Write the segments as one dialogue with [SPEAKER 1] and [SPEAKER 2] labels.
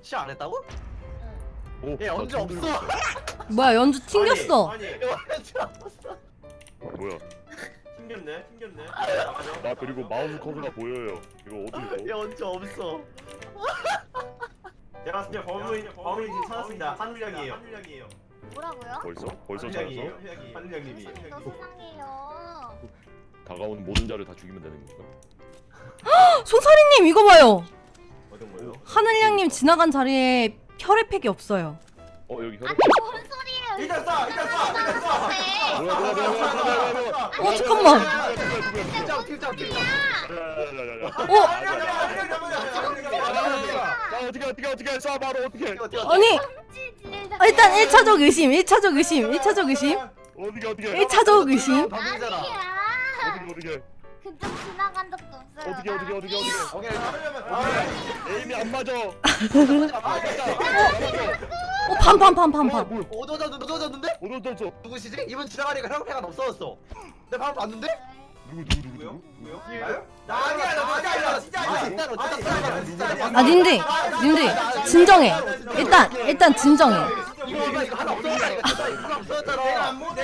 [SPEAKER 1] 시작 안 했다고?
[SPEAKER 2] 오,
[SPEAKER 1] 얘 언제 없어?
[SPEAKER 3] 뭐야 연주 튕겼어.
[SPEAKER 4] 아니
[SPEAKER 1] 얘 언제 없어?
[SPEAKER 2] 뭐야?
[SPEAKER 4] 튕겼네.
[SPEAKER 2] 나 그리고 마우스 커서가 보여요. 이거 어떻게
[SPEAKER 1] 얘 언제 없어?
[SPEAKER 4] 제가 진짜 범인 지금 찾았습니다. 한울량이에요.
[SPEAKER 5] 뭐라고요?
[SPEAKER 2] 벌써 찾았어?
[SPEAKER 4] 한울량님이.
[SPEAKER 5] 또 세상에요.
[SPEAKER 2] 다가오는 모든 자를 다 죽이면 되는 건가?
[SPEAKER 3] 송사리님 이거 봐요.
[SPEAKER 4] 어떤 거요?
[SPEAKER 3] 하늘양님 지나간 자리에 혈액팩이 없어요.
[SPEAKER 2] 여기 혈액.
[SPEAKER 5] 아니 뭔 소리예요?
[SPEAKER 4] 일단 쏴.
[SPEAKER 3] 어 잠깐만.
[SPEAKER 1] 팀장.
[SPEAKER 2] 야야야야. 어떻게 쏴 바로 어떻게?
[SPEAKER 3] 아니
[SPEAKER 5] 아,
[SPEAKER 3] 일단 1차적 의심. 1차적 의심.
[SPEAKER 2] 어떻게?
[SPEAKER 3] 1차적 의심.
[SPEAKER 1] 방송이잖아.
[SPEAKER 5] 아니야.
[SPEAKER 2] 어떻게?
[SPEAKER 5] 그쪽 지나간 적도 없어요.
[SPEAKER 2] 어떻게?
[SPEAKER 1] 오케이.
[SPEAKER 2] 에임이 안 맞아.
[SPEAKER 3] 반반반반반.
[SPEAKER 2] 뭐야?
[SPEAKER 1] 어두워졌는데?
[SPEAKER 2] 어디서
[SPEAKER 1] 누구시지? 이분 지나가니까 혈액패가 없어졌어. 내가 방금 봤는데?
[SPEAKER 2] 누구?
[SPEAKER 4] 나요? 나 아니야. 진짜 아니야.
[SPEAKER 3] 아 님들 진정해. 일단 진정해.
[SPEAKER 1] 이거 하나 없어졌다니까. 이거 없어졌잖아.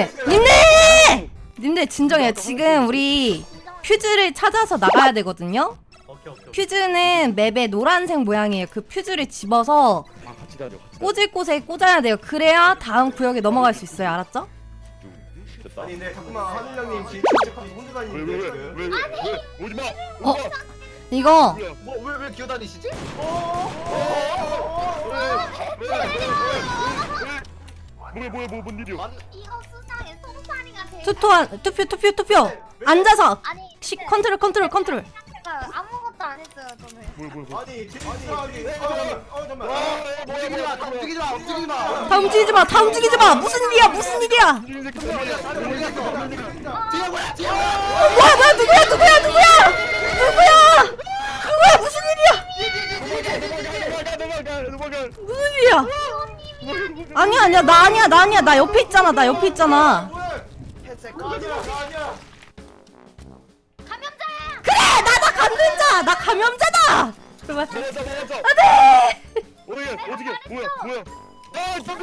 [SPEAKER 3] 님들 진정해. 지금 우리 퓨즈를 찾아서 나가야 되거든요.
[SPEAKER 1] 오케이.
[SPEAKER 3] 퓨즈는 맵에 노란색 모양이에요. 그 퓨즈를 집어서
[SPEAKER 2] 같이 다녀.
[SPEAKER 3] 꽂을 곳에 꽂아야 돼요. 그래야 다음 구역에 넘어갈 수 있어요. 알았죠?
[SPEAKER 2] 됐다.
[SPEAKER 4] 아니 근데 잠깐만 한울량님 지금 혼자 다니는데 지금.
[SPEAKER 2] 왜? 오지 마.
[SPEAKER 3] 이거
[SPEAKER 1] 왜 기어다니시지?
[SPEAKER 2] 뭐야 뭔 일이야?
[SPEAKER 5] 이거 수상해. 송사리가 제일.
[SPEAKER 3] 투표. 앉아서
[SPEAKER 5] 아니
[SPEAKER 3] 컨트롤.
[SPEAKER 5] 제가 아무것도 안 했어요 저는.
[SPEAKER 2] 뭐야?
[SPEAKER 4] 아니 진짜하게. 잠깐만.
[SPEAKER 1] 움직이지 마.
[SPEAKER 3] 다 움직이지 마. 무슨 일이야?
[SPEAKER 2] 이 새끼 정말.
[SPEAKER 3] 뭐야? 누구야? 무슨 일이야?
[SPEAKER 2] 도망가.
[SPEAKER 3] 무슨 일이야? 아니야. 나 아니야. 나 옆에 있잖아.
[SPEAKER 4] 아니야.
[SPEAKER 5] 감염자야.
[SPEAKER 3] 그래, 나 감염자다. 제발.
[SPEAKER 2] 맞았어.
[SPEAKER 3] 안돼.
[SPEAKER 2] 어떻게? 뭐야? 아, 좀비.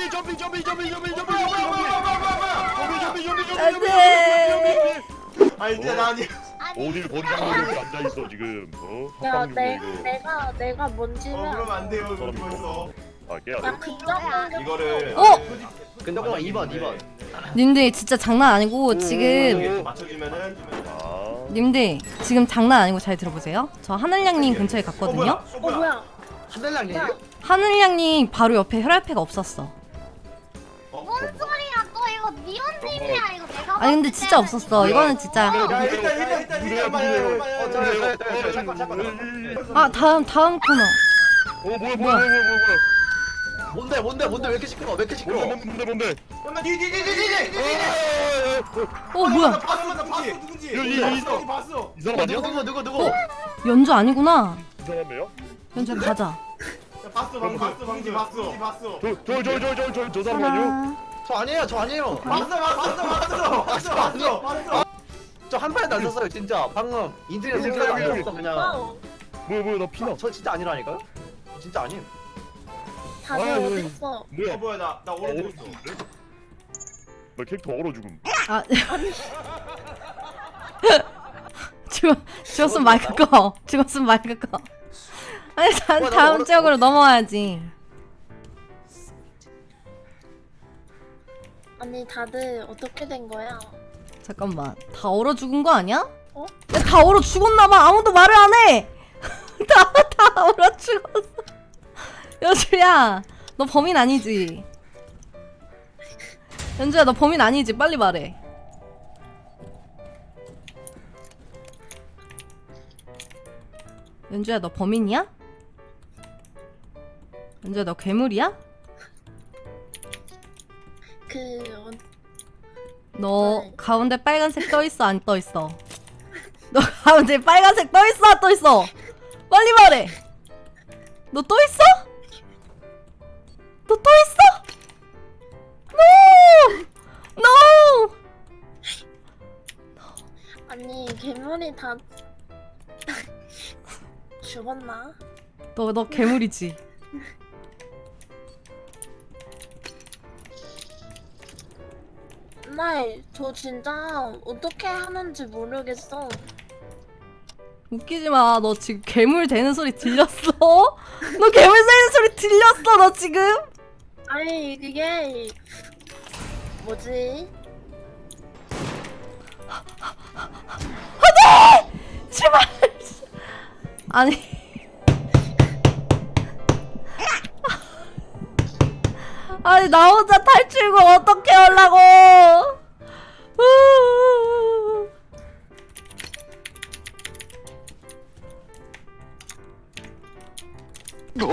[SPEAKER 3] 안돼.
[SPEAKER 4] 아니 진짜 나 아니야.
[SPEAKER 5] 아니
[SPEAKER 2] 어딜 버리장머리 이렇게 앉아 있어 지금?
[SPEAKER 6] 야,
[SPEAKER 2] 합방 중이야 이거.
[SPEAKER 6] 내가 뭔지는
[SPEAKER 4] 그러면 안 돼요. 이거
[SPEAKER 2] 사람
[SPEAKER 4] 벌써.
[SPEAKER 2] 깨야 돼.
[SPEAKER 6] 야 근접은
[SPEAKER 4] 이거를.
[SPEAKER 1] 근데 잠깐만 2번.
[SPEAKER 3] 님들 진짜 장난 아니고 지금
[SPEAKER 4] 맞춰주면은.
[SPEAKER 3] 님들 지금 장난 아니고 잘 들어보세요. 저 하늘양님 근처에 갔거든요.
[SPEAKER 6] 뭐야?
[SPEAKER 1] 하늘랑이에요?
[SPEAKER 3] 하늘양님 바로 옆에 혈액팩가 없었어.
[SPEAKER 5] 뭔 소리야 또 이거 니온님이야 이거 내가.
[SPEAKER 3] 아니 근데 진짜 없었어. 이거는 진짜.
[SPEAKER 4] 야 일단 말해.
[SPEAKER 3] 아 다음 코너.
[SPEAKER 2] 뭐야?
[SPEAKER 1] 뭔데 왜 이렇게 시끄러워?
[SPEAKER 2] 뭔데?
[SPEAKER 4] 잠깐만 뒤.
[SPEAKER 3] 뭐야?
[SPEAKER 4] 봤어 누군지. 봤어.
[SPEAKER 2] 이 사람 아니야?
[SPEAKER 1] 누구?
[SPEAKER 3] 연주 아니구나.
[SPEAKER 2] 이 사람이에요?
[SPEAKER 3] 연주 가자.
[SPEAKER 4] 봤어.
[SPEAKER 2] 저 사람 아니요?
[SPEAKER 3] 하나.
[SPEAKER 1] 저 아니에요.
[SPEAKER 4] 봤어.
[SPEAKER 1] 저 한 판에 날렸어요 진짜. 방금 인터넷 생각 안 했어 그냥.
[SPEAKER 2] 뭐야 나 피나?
[SPEAKER 1] 저 진짜 아니라니까요? 진짜 아님.
[SPEAKER 6] 다들
[SPEAKER 2] 아,
[SPEAKER 6] 어딨어?
[SPEAKER 2] 뭐야?
[SPEAKER 4] 나 오른쪽 있어.
[SPEAKER 2] 나 캐릭터 얼어 죽음.
[SPEAKER 3] 아. 죽었으면 마이크 꺼. 아니 다음 지역으로 넘어와야지.
[SPEAKER 6] 아니 다들 어떻게 된 거야?
[SPEAKER 3] 잠깐만. 다 얼어 죽은 거 아니야?
[SPEAKER 6] 어?
[SPEAKER 3] 야, 다 얼어 죽었나 봐. 아무도 말을 안 해. 다 얼어 죽었어. 연주야, 너 범인 아니지? 연주야, 너 범인 아니지? 빨리 말해. 연주야, 너 범인이야? 연주야, 너 괴물이야? 너 가운데 빨간색 떠있어 안 떠있어? 너 가운데 빨간색 떠있어 안 떠있어? 빨리 말해. 너 떠있어? 너 떠있어? No!
[SPEAKER 6] 아니 괴물이 다 죽었나?
[SPEAKER 3] 너 괴물이지?
[SPEAKER 6] 정말 저 진짜 어떻게 하는지 모르겠어.
[SPEAKER 3] 웃기지 마. 너 지금 괴물 되는 소리 들렸어? 너 괴물 되는 소리 들렸어? 너 지금?
[SPEAKER 6] 아니 그게 뭐지?
[SPEAKER 3] 제발. 아니. 아니 나 혼자 탈출구 어떻게 하려고? No!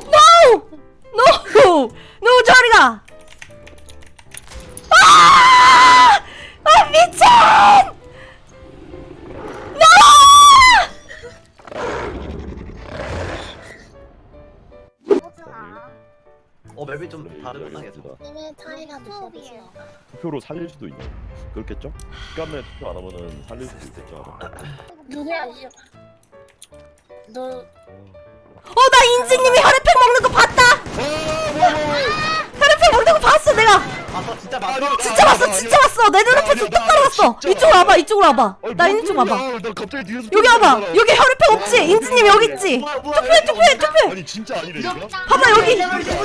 [SPEAKER 3] No! No 저리가! 아! 아 미친!
[SPEAKER 5] 호주아.
[SPEAKER 1] 맵이 좀 다르구나 계속.
[SPEAKER 6] 힘의 차이가
[SPEAKER 5] 수업이에요.
[SPEAKER 6] 느껴지니까.
[SPEAKER 2] 투표로 살릴 수도 있네. 그렇겠죠? 시간 내에 투표 안 하면은 살릴 수도 있겠죠. 아마.
[SPEAKER 6] 누구야 이? 너
[SPEAKER 3] 나 인지님이 혈액팩 먹는 거 봤다! 혈액팩 먹는 거 봤어 내가!
[SPEAKER 1] 아 진짜 맞아.
[SPEAKER 3] 진짜 봤어 진짜 봤어 내 눈앞에 뚝 떨어졌어. 이쪽으로 와봐 이쪽으로 와봐. 나 이쪽 와봐.
[SPEAKER 2] 나 갑자기 뒤에서
[SPEAKER 3] 여기 와봐. 여기 혈액팩 없지? 인지님 여기 있지? 투표해.
[SPEAKER 2] 아니 진짜 아니래 이거?
[SPEAKER 3] 봐봐 여기.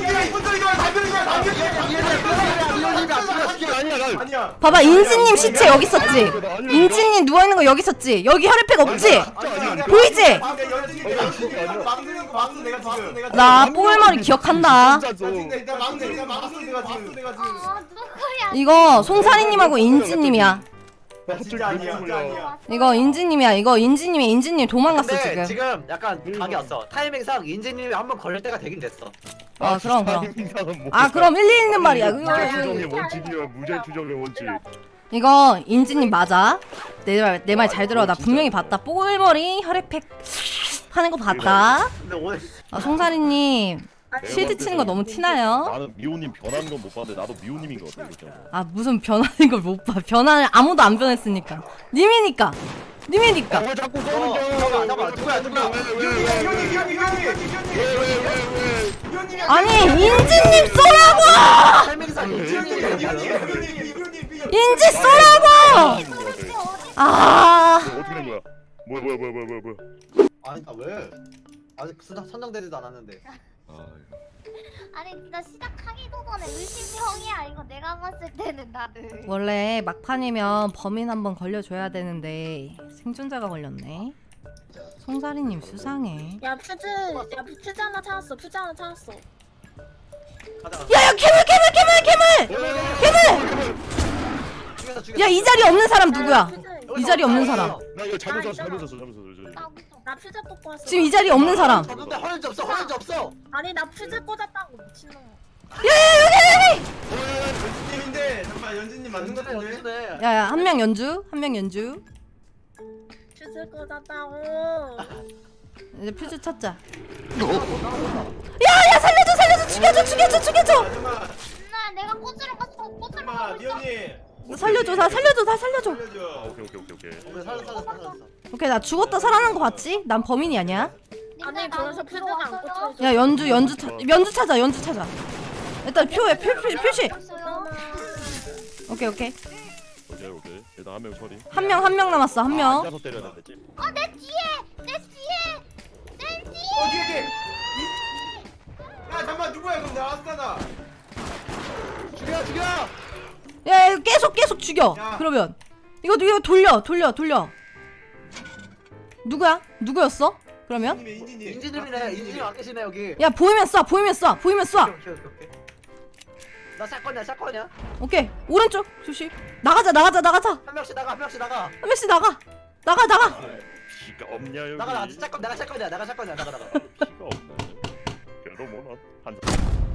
[SPEAKER 4] 아니야.
[SPEAKER 3] 봐봐 인지님 시체 여기 있었지? 인지님 누워있는 거 여기 있었지? 여기 혈액팩 없지? 보이지?
[SPEAKER 4] 막는 내가 지금.
[SPEAKER 3] 나 뽀글머리 기억한다.
[SPEAKER 4] 일단 막는 내가 지금.
[SPEAKER 5] 누구야?
[SPEAKER 3] 이거 송사리님하고 인지님이야.
[SPEAKER 4] 진짜 아니야. 진짜 아니야.
[SPEAKER 3] 이거 인지님이야. 이거 인지님 도망갔어
[SPEAKER 1] 근데
[SPEAKER 3] 지금.
[SPEAKER 1] 지금 약간 각이 왔어. 타이밍상 인지님이 한 번 걸릴 때가 되긴 됐어.
[SPEAKER 3] 그럼.
[SPEAKER 2] 뭐
[SPEAKER 3] 아 그럼 일리 있는 말이야.
[SPEAKER 2] 무죄 추정의 원칙이야. 무죄 추정의 원칙.
[SPEAKER 3] 이거 인지님 맞아. 내 말 잘 들어. 나 분명히 봤다. 뽀글머리 혈액팩 하는 거 봤다.
[SPEAKER 1] 근데 오늘
[SPEAKER 3] 송사리님 실드 치는 거 너무 티나요?
[SPEAKER 2] 나는 미호님 변하는 건 못 봤는데 나도 미호님인 것 같아. 그죠?
[SPEAKER 3] 아 무슨 변하는 걸 못 봐. 변화는 아무도 안 변했으니까. 님이니까.
[SPEAKER 2] 왜 자꾸
[SPEAKER 1] 잠깐만 누구야?
[SPEAKER 3] 아니 인지님 쏘라고!
[SPEAKER 1] 타이밍상 인지님이
[SPEAKER 3] 인지 쏘라고! 아
[SPEAKER 2] 어떻게 된 거야? 뭐야?
[SPEAKER 1] 아니 나 왜? 아직 선정되지도 않았는데.
[SPEAKER 5] 아니 진짜 시작하기도 전에 의심형이야 이거 내가 봤을 때는 나를.
[SPEAKER 3] 원래 막판이면 범인 한번 걸려줘야 되는데 생존자가 걸렸네. 송사리님 수상해.
[SPEAKER 6] 야 퓨즈 하나 찾았어. 퓨즈 하나 찾았어.
[SPEAKER 1] 가자.
[SPEAKER 3] 야야 괴물!
[SPEAKER 1] 죽였어.
[SPEAKER 3] 야 이 자리 없는 사람 누구야? 이 자리 없는 사람.
[SPEAKER 2] 나 이거 잘못 샀어.
[SPEAKER 6] 나 퓨즈 뽑고 왔어.
[SPEAKER 3] 지금 이 자리 없는 사람.
[SPEAKER 1] 근데 허연지 없어.
[SPEAKER 6] 아니 나 퓨즈 꽂았다고 미친놈.
[SPEAKER 4] 연진님인데 잠깐 연진님 맞는 거 같은데.
[SPEAKER 1] 연진네.
[SPEAKER 3] 야야 한 명 연주.
[SPEAKER 6] 퓨즈 꽂았다고.
[SPEAKER 3] 이제 퓨즈 찾자. 야야 살려줘 죽여줘.
[SPEAKER 4] 잠깐만.
[SPEAKER 5] 나 내가 꽂으러 갔어. 꽂으러
[SPEAKER 4] 잠깐만
[SPEAKER 5] 가고 있어.
[SPEAKER 4] 미연님.
[SPEAKER 3] 살려줘 다 살려줘.
[SPEAKER 4] 살려줘.
[SPEAKER 1] 오케이 살았어.
[SPEAKER 3] 오케이 나 죽었다 살아난 거 봤지? 난 범인이 아니야.
[SPEAKER 6] 아니 저기서 퓨즈가 안 꽂혀.
[SPEAKER 3] 야 연주 찾아. 일단 표시. 오케이.
[SPEAKER 2] 일단 한 명 처리.
[SPEAKER 3] 한 명 남았어. 한 명.
[SPEAKER 2] 앉아서 때려야 되지.
[SPEAKER 5] 내 뒤에.
[SPEAKER 4] 뒤에. 야 잠깐만 누구야 그럼 나 왔잖아.
[SPEAKER 1] 죽여.
[SPEAKER 3] 야 계속 죽여.
[SPEAKER 4] 야.
[SPEAKER 3] 그러면 이거 돌려. 누구였어? 그러면
[SPEAKER 4] 인진님.
[SPEAKER 1] 인지님이 안 계시네 여기.
[SPEAKER 3] 야 보이면 쏴.
[SPEAKER 1] 오케이. 나 샷건이야.
[SPEAKER 3] 오케이 오른쪽 조심. 나가자.
[SPEAKER 1] 한 명씩 나가.
[SPEAKER 3] 한 명씩 나가.
[SPEAKER 2] 피가 없냐 여기?
[SPEAKER 1] 나가. 내가 샷건이야. 나가.
[SPEAKER 2] 피가 없네. 그래도 뭐한